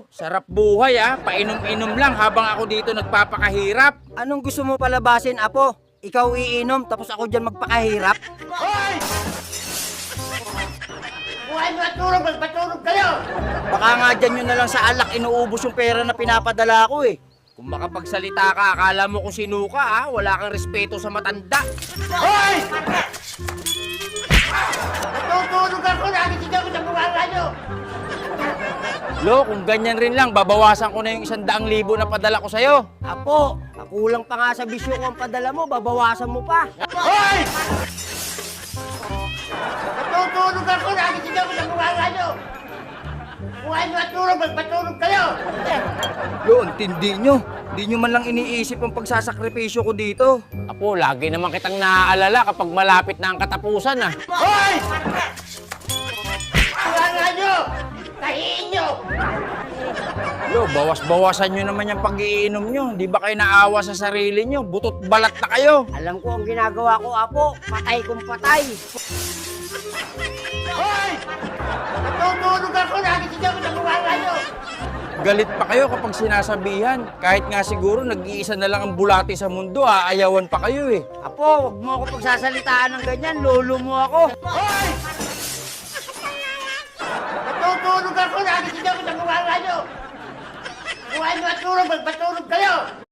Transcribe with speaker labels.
Speaker 1: Sarap buhay painom-inom lang habang ako dito nagpapakahirap.
Speaker 2: Anong gusto mo palabasin, Apo? Ikaw iinom, tapos ako dyan magpakahirap?
Speaker 3: Hoy! Buhay mo at tulog, magpatulog kayo!
Speaker 2: Baka nga dyan yun na lang sa alak inuubos yung pera na pinapadala ko eh.
Speaker 1: Kung makapagsalita ka, akala mo kung sino ka wala kang respeto sa matanda.
Speaker 3: Hoy! Natutulog ako, nakikita ko sa bunganga nyo!
Speaker 1: Lo, kung ganyan rin lang, babawasan ko na yung 100,000 na padala ko sa'yo.
Speaker 2: Apo, kulang pa nga sa bisyo ko ang padala mo, babawasan mo pa.
Speaker 3: Hoy! Natutulog ako, nakikita ko sa bunganga nyo! Buhay mo at tulog, magpatulog kayo!
Speaker 2: Lo, ang tindi nyo. Di nyo man lang iniisip ang pagsasakripisyo ko dito.
Speaker 1: Apo, lagi naman kitang naaalala kapag malapit na ang katapusan
Speaker 3: Hoy! Bunganga nyo! Tahiin nyo!
Speaker 1: Lo, bawas-bawasan nyo naman yung pag-iinom nyo. Di ba kayo naawa sa sarili nyo? Butot balat na kayo.
Speaker 2: Alam ko ang ginagawa ko, Apo. Patay kong patay.
Speaker 3: Hoy! Natutulog ako, nakikita ko sa bunganga nyo!
Speaker 1: Galit pa kayo kapag sinasabihan. Kahit nga siguro nag-iisa na lang ang bulati sa mundo, aayawan pa kayo eh.
Speaker 2: Apo, wag mo ako pagsasalitaan ng ganyan. Lolo mo ako.
Speaker 3: Hoy! Natutulog ako, nakikita ko sa bunganga nyo! Buhay mo at tulog, magpatulog kayo!